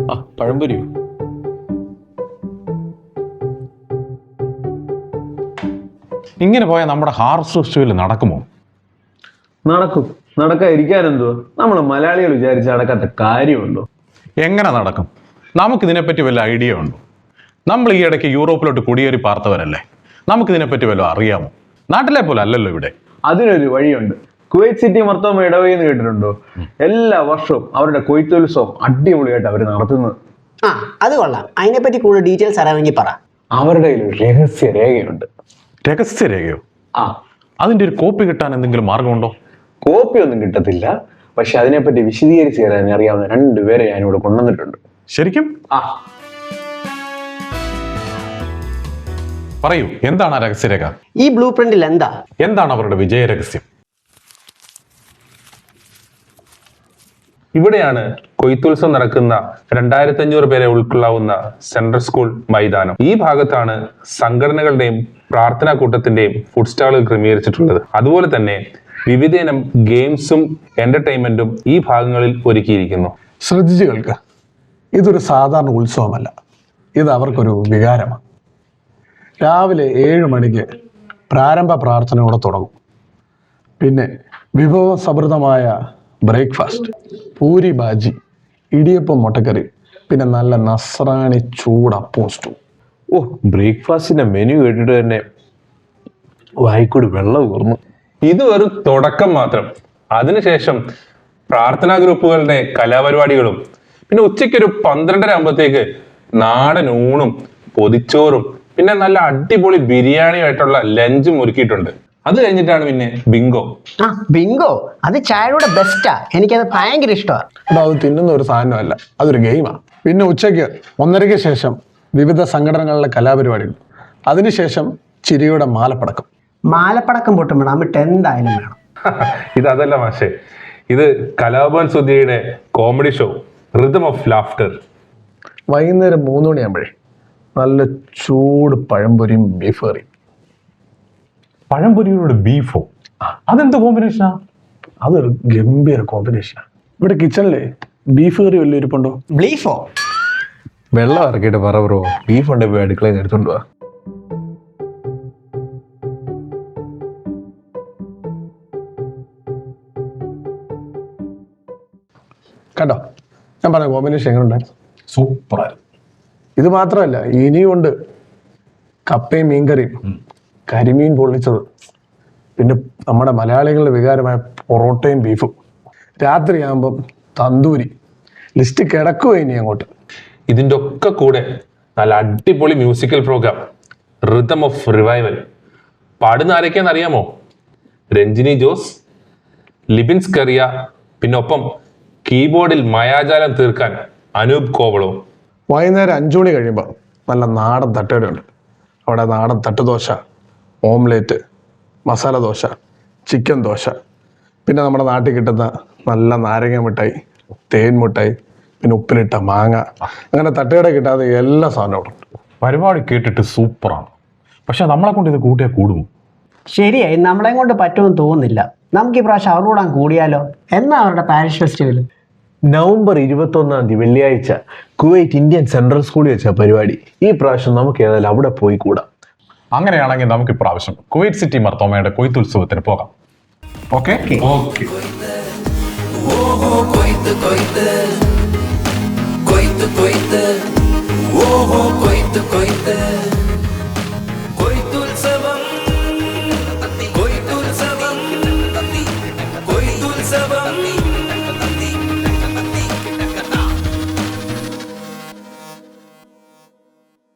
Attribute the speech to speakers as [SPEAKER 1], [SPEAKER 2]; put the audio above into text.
[SPEAKER 1] പഴംപൊരിയോ? ഇങ്ങനെ പോയാൽ നമ്മുടെ ഹാർവസ്റ്റ് ഫെസ്റ്റിവൽ നടക്കുമോ?
[SPEAKER 2] നടക്കും. നടക്കാതിരിക്കാനെന്തോ? നമ്മൾ മലയാളികൾ വിചാരിച്ച് നടക്കാത്ത കാര്യമുണ്ടോ?
[SPEAKER 1] എങ്ങനെ നടക്കും? നമുക്കിതിനെപ്പറ്റി വല്ല ഐഡിയ ഉണ്ടോ? നമ്മൾ ഈ ഇടയ്ക്ക് യൂറോപ്പിലോട്ട് കുടിയേറി പാർത്തവരല്ലേ, നമുക്കിതിനെപ്പറ്റി വല്ലതും അറിയാമോ? നാട്ടിലെ പോലെ അല്ലല്ലോ ഇവിടെ.
[SPEAKER 2] അതിനൊരു വഴിയുണ്ട്. കുവൈറ്റ് സിറ്റി മർത്തോമ ഇടവകയെന്ന് കേട്ടിട്ടുണ്ടോ? എല്ലാ വർഷവും അവരുടെ കൊയ്ത്തുത്സവം അടിപൊളിയായിട്ട് അവർ നടത്തുന്നത്.
[SPEAKER 3] അത് കൊള്ളാം. അതിനെപ്പറ്റി കൂടുതൽ ഡീറ്റെയിൽസ് അറിയാമെങ്കിൽ പറ.
[SPEAKER 2] അവരുടെ കയ്യിൽ ഒരു രഹസ്യ രേഖയുണ്ട്.
[SPEAKER 1] രഹസ്യരേഖയോ? അതിന്റെ ഒരു കോപ്പി കിട്ടാൻ എന്തെങ്കിലും മാർഗമുണ്ടോ?
[SPEAKER 2] കോപ്പി ഒന്നും കിട്ടത്തില്ല, പക്ഷെ അതിനെപ്പറ്റി വിശദീകരിച്ച് തരാൻ അറിയാവുന്ന രണ്ടുപേരെ ഞാനിവിടെ കൊണ്ടുവന്നിട്ടുണ്ട്.
[SPEAKER 1] ശരിക്കും? പറയൂ, എന്താണ് ആ രഹസ്യരേഖ?
[SPEAKER 3] ഈ ബ്ലൂ പ്രിന്റിൽ എന്താണ്
[SPEAKER 1] അവരുടെ വിജയ രഹസ്യം?
[SPEAKER 4] ഇവിടെയാണ് കൊയ്ത്തുത്സവം നടക്കുന്ന 2500 പേരെ ഉൾക്കൊള്ളാവുന്ന സെൻട്രൽ സ്കൂൾ മൈതാനം. ഈ ഭാഗത്താണ് സംഘടനകളുടെയും പ്രാർത്ഥനാ കൂട്ടത്തിന്റെയും ഫുഡ് സ്റ്റാളുകൾ ക്രമീകരിച്ചിട്ടുള്ളത്. അതുപോലെ തന്നെ വിവിധയിനം ഗെയിംസും എന്റർടൈൻമെന്റും ഈ ഭാഗങ്ങളിൽ ഒരുക്കിയിരിക്കുന്നു.
[SPEAKER 5] ശ്രദ്ധിച്ചു കേൾക്കുക, ഇതൊരു സാധാരണ ഉത്സവമല്ല, ഇത് അവർക്കൊരു വികാരമാണ്. രാവിലെ 7 മണിക്ക് പ്രാരംഭ പ്രാർത്ഥനയോടെ തുടങ്ങും. പിന്നെ വിഭവസമൃദ്ധമായ ബ്രേക്ക്ഫാസ്റ്റ്, പൂരി ബാജി, ഇടിയപ്പം മുട്ടക്കറി, പിന്നെ നല്ല നസ്രാണി ചൂടപ്പവും സ്റ്റൂ.
[SPEAKER 2] ബ്രേക്ക്ഫാസ്റ്റിന്റെ മെനു കേട്ടിട്ട് തന്നെ വായിക്കൂടി വെള്ളം ഊർന്നു.
[SPEAKER 4] ഇത് ഒരു തുടക്കം മാത്രം. അതിനുശേഷം പ്രാർത്ഥനാ ഗ്രൂപ്പുകളുടെ കലാപരിപാടികളും, പിന്നെ ഉച്ചയ്ക്ക് ഒരു 12:30 ആകുമ്പോഴത്തേക്ക് നാടൻ ഊണും പൊതിച്ചോറും പിന്നെ നല്ല അടിപൊളി ബിരിയാണിയായിട്ടുള്ള ലഞ്ചും ഒരുക്കിയിട്ടുണ്ട്. അത് കഴിഞ്ഞിട്ടാണ് പിന്നെ ബിങ്കോ.
[SPEAKER 3] ബിങ്കോ അത് ചായയുടെ ബെസ്റ്റാ. എനിക്കത് ഭയങ്കര ഇഷ്ടമാണ്.
[SPEAKER 5] അത് തിന്നുന്ന ഒരു സാധനമല്ല, അതൊരു ഗെയിമാണ്. പിന്നെ ഉച്ചയ്ക്ക് 1:30-ക്ക് ശേഷം വിവിധ സംഘടനകളിലെ കലാപരിപാടികൾ, അതിനുശേഷം ചിരിയുടെ
[SPEAKER 3] മാലപ്പടക്കം പൊട്ടുമ്പോൾ നമുക്ക് എന്തായാലും വേണം.
[SPEAKER 4] ഇതല്ല മാഷേ, ഇത് കലാഭവൻ സുധിയുടെ comedy show rhythm of laughter.
[SPEAKER 5] വൈകുന്നേരം 3 മണിയാകുമ്പോഴേ നല്ല ചൂട് പഴംപൊരിയും ബീഫ് കറിയും.
[SPEAKER 1] പഴംപൊരിയോട് ബീഫോ? അതെന്ത് കോമ്പിനേഷനാ?
[SPEAKER 5] അതൊരു ഗംഭീര കോമ്പിനേഷനാണ്. ഇവിടെ കിച്ചണിലെ ബീഫ് കറി വലിയ ഇരിപ്പുണ്ടോ?
[SPEAKER 3] ബീഫോ?
[SPEAKER 2] വെള്ളം ഇറക്കിയിട്ട് പറ ബ്രോ, ബീഫ് ഉണ്ട്, പോയി അടുക്കളയിൽ എടുത്തോണ്ട് പോവാ.
[SPEAKER 5] കണ്ടോ, ഞാൻ പറഞ്ഞ കോമ്പിനേഷൻ എങ്ങനെ ഉണ്ടായിരുന്നു?
[SPEAKER 1] സൂപ്പറായിരുന്നു.
[SPEAKER 5] ഇത് മാത്രമല്ല, ഇനിയും ഉണ്ട്. കപ്പയും മീൻകറിയും, കരിമീൻ പൊള്ളിച്ചത്, പിന്നെ നമ്മുടെ മലയാളികളുടെ വികാരമായ പൊറോട്ടയും ബീഫും. രാത്രിയാകുമ്പം തന്തൂരി. ലിസ്റ്റ് കിടക്കുക ഇനി അങ്ങോട്ട്.
[SPEAKER 4] ഇതിൻ്റെ ഒക്കെ കൂടെ നല്ല അടിപൊളി musical programme rhythm of revival. പാടുന്ന ആരൊക്കെയാന്ന് അറിയാമോ? രഞ്ജിനി ജോസ്, ലിബിൻസ് കറിയ, പിന്നെ ഒപ്പം കീബോർഡിൽ മായാജാലം തീർക്കാൻ അനൂപ് കോവളോ.
[SPEAKER 5] വൈകുന്നേരം 5 മണി കഴിയുമ്പോൾ നല്ല നാടൻ തട്ടുകടയുണ്ട്. അവിടെ നാടൻ തട്ടുദോശ, ഓംലേറ്റ്, മസാല ദോശ, ചിക്കൻ ദോശ, പിന്നെ നമ്മുടെ നാട്ടിൽ കിട്ടുന്ന നല്ല നാരങ്ങ മിഠായി, തേൻ മിഠായി, പിന്നെ ഉപ്പിലിട്ട മാങ്ങ, അങ്ങനെ തട്ടുകട കിട്ടാതെ എല്ലാ സാധനവും ഉണ്ട്.
[SPEAKER 1] പരിപാടി കേട്ടിട്ട് സൂപ്പറാണ്. പക്ഷെ നമ്മളെ കൊണ്ട് ഇത് കൂട്ടിയാൽ കൂടുമോ?
[SPEAKER 3] ശരിയായി, നമ്മളെ കൊണ്ട് പറ്റുമെന്ന് തോന്നുന്നില്ല. നമുക്ക് ഈ പ്രാവശ്യം അവരോട് കൂടിയാലോ? എന്നാ അവരുടെ പാരിഷ് ഫെസ്റ്റിവൽ?
[SPEAKER 2] നവംബർ 21 വെള്ളിയാഴ്ച കുവൈറ്റ് ഇന്ത്യൻ സെൻട്രൽ സ്കൂളിൽ വെച്ച പരിപാടി. ഈ പ്രാവശ്യം നമുക്ക് ഏതായാലും അവിടെ പോയി കൂടാം.
[SPEAKER 1] അങ്ങനെയാണെങ്കിൽ നമുക്ക് ഇപ്രാവശ്യം കുവൈറ്റ് സിറ്റി മർത്തോമയുടെ കൊയ്ത്തുത്സവത്തിന് പോകാം. Okay okay.
[SPEAKER 6] കൊയ്ത്ത്